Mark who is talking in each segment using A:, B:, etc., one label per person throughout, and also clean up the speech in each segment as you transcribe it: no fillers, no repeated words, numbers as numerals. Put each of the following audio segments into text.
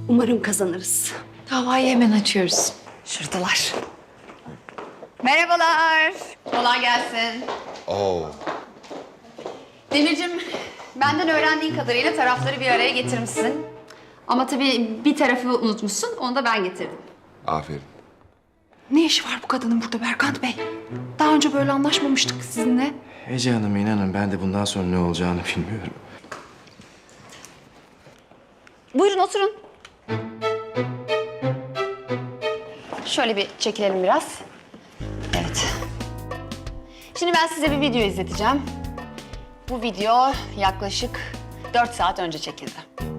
A: Umarım kazanırız.
B: Davayı hemen açıyoruz.
A: Şuradalar. Merhabalar. Kolay gelsin.
C: Oo.
A: Demircim, benden öğrendiğin kadarıyla tarafları bir araya getirmişsin. Ama tabii bir tarafı unutmuşsun, onu da ben getirdim.
C: Aferin.
B: Ne işi var bu kadının burada Berkant Bey? Daha önce böyle anlaşmamıştık sizinle.
D: Ece Hanım inanın ben de bundan sonra ne olacağını bilmiyorum.
A: Buyurun oturun. Şöyle bir çekilelim biraz. Evet. Şimdi ben size bir video izleteceğim. Bu video yaklaşık 4 saat önce çekildi.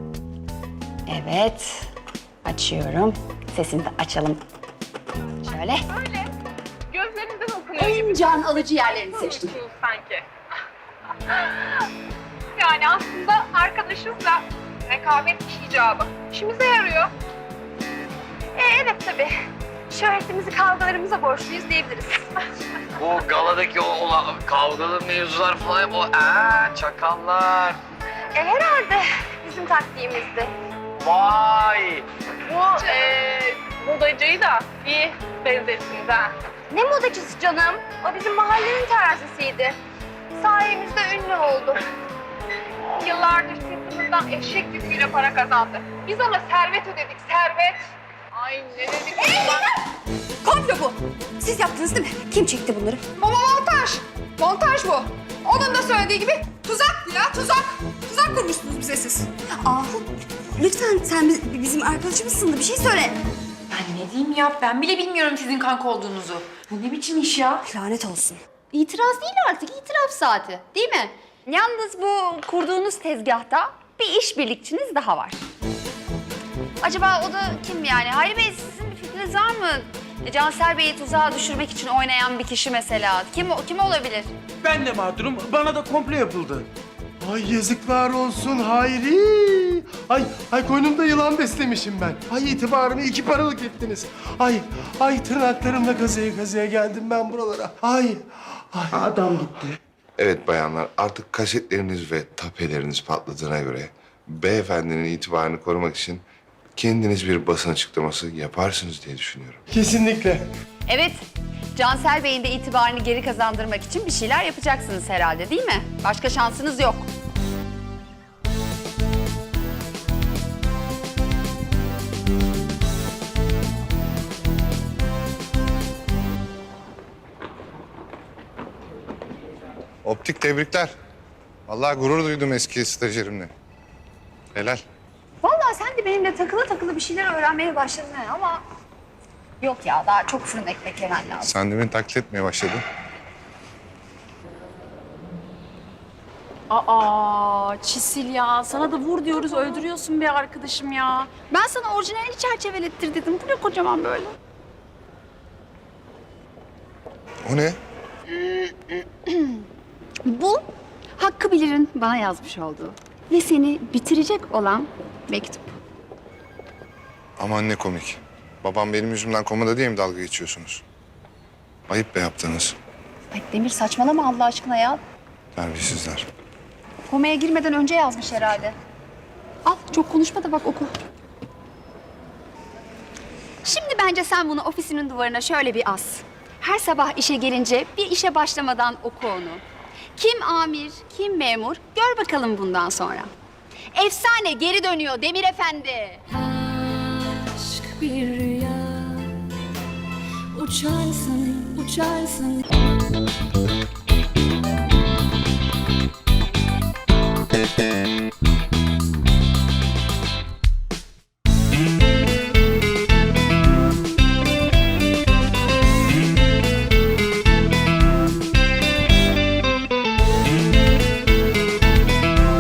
A: Evet. Açıyorum. Sesini de açalım. Şöyle.
E: Öyle. Gözlerinden okunuyor gibi.
A: En can alıcı yerlerini seçtim.
E: Sanki. Yani aslında arkadaşızla rekabet icabı. İşimize yarıyor. Evet tabii. Şöhretimizi kavgalarımıza borçluyuz diyebiliriz.
F: Bu galadaki o kavgalı mevzular falan o çakallar.
E: Herhalde bizim taktiğimizdi.
F: Vay.
E: Bu modacıyı da iyi benzettiniz ha. Ne modacısı canım? O bizim mahallenin terzisiydi. Sayemizde ünlü oldu. Yıllardır sırtımızdan eşek yüküyle para kazandı. Biz ona servet ödedik, servet. Ay ne dedik ulan?
A: Komplo bu. Siz yaptınız değil mi? Kim çekti bunları?
B: Baba montaj. Montaj bu. Onun da söylediği gibi tuzak ya tuzak. Tuzak kurmuşsunuz bize siz.
A: Ahu, lütfen sen bizim arkadaşımızsın da bir şey söyle.
B: Ben ne diyeyim ya? Ben bile bilmiyorum sizin kanka olduğunuzu. Bu ne biçim iş ya?
A: Lanet olsun.
G: İtiraz değil artık, itiraf saati. Değil mi? Yalnız bu kurduğunuz tezgahta bir işbirlikçiniz daha var. Acaba o da kim yani? Hayri Bey sizin bir fikriniz var mı? Cansel Bey'i tuzağa düşürmek için oynayan bir kişi mesela. Kim olabilir?
H: Ben de mağdurum. Bana da komplo yapıldı. Ay yazıklar olsun Hayri. Ay koynumda yılan beslemişim ben. Ay itibarımı 2 paralık ettiniz. Ay tırnaklarımla kazıya kazıya geldim ben buralara. Ay adam gitti.
C: Evet bayanlar, artık kasetleriniz ve tapeleriniz patladığına göre beyefendinin itibarını korumak için kendiniz bir basın açıklaması yaparsınız diye düşünüyorum.
H: Kesinlikle.
G: Evet, Cansel Bey'in de itibarını geri kazandırmak için bir şeyler yapacaksınız herhalde değil mi? Başka şansınız yok.
C: Optik tebrikler. Vallahi gurur duydum eski stajyerimle. Helal.
G: Vallahi sen de benimle takılı takılı bir şeyler öğrenmeye başladın ha ama... Yok ya, daha çok fırın ekmek yemen lazım.
C: Sen de beni taklit etmeye başladın.
I: Aa Çisil ya, sana da vur diyoruz, öldürüyorsun be arkadaşım ya.
G: Ben sana orijinalini çerçevelettir dedim. Bu ne kocaman böyle?
C: O ne?
G: Bu Hakkı Bilir'in bana yazmış olduğu ve seni bitirecek olan mektup.
C: Aman ne komik. Babam benim yüzümden komada diye mi dalga geçiyorsunuz? Ayıp be yaptınız.
G: Ay Demir saçmalama Allah aşkına ya.
C: Terbiyesizler.
G: Komaya girmeden önce yazmış herhalde. Al çok konuşma da bak oku. Şimdi bence sen bunu ofisinin duvarına şöyle bir as. Her sabah işe gelince bir işe başlamadan oku onu. Kim amir, kim memur gör bakalım bundan sonra. Efsane geri dönüyor Demir Efendi.
J: Aşk bir rüya, uçarsın, uçarsın.